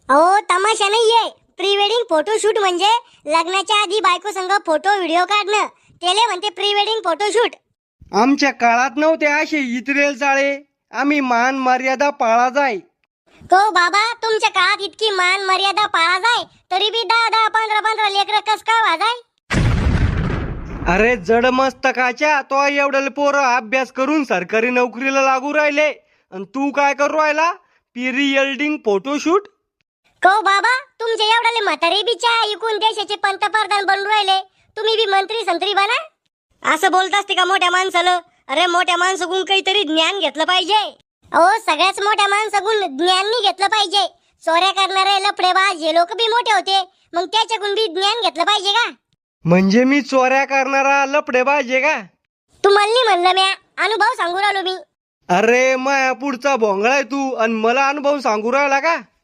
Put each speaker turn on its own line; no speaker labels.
अहो तमाशा नाहीये. प्री वेडिंग फोटोशूट म्हणजे लग्नाच्या आधी बायको संग फोटो व्हिडिओ काढणं, त्याला म्हणते प्री वेडिंग फोटोशूट.
आमच्या काळात नव्हते असे इतरेल चाळे. आम्ही मान मर्यादा पाळा जाय.
तो बाबा तुमच्या काळात इतकी मान मर्यादा पाळा जाय तरी बी 10 15 15 लेकर कस काय वाजाय.
अरे जड मस्तकाच्या तो एवढे पोरं अभ्यास करून सरकारी नोकरीला लागू राहिले आणि तू काय करू राहिला प्री वेडिंग फोटोशूट.
को बाबा तुमच्या एवढाले म्हातारे बिचा ऐकून देशाचे पंतप्रधान बनून राहिले, तुम्ही बी मंत्री संत्री बना. असं बोलत असते का मोठ्या माणसाला? अरे मोठ्या माणसाकडून काहीतरी ज्ञान घेतलं पाहिजे. अहो सगळ्याच मोठ्या माणसाकडून ज्ञान नाही घेतलं पाहिजे. चोऱ्या करणारे लफडेबाज हे लोक बी मोठे होते, मग त्याच्याकडून बी ज्ञान घेतलं पाहिजे का?
म्हणजे मी चोऱ्या करणारा लफडेबाज आहे का?
तुम्हाला नाही म्हणलं म्या, अनुभव सांगू राहिलो मी.
अरे माया पुढचा भोंगळा आहे तू आणि मला अनुभव सांगू राहिला का?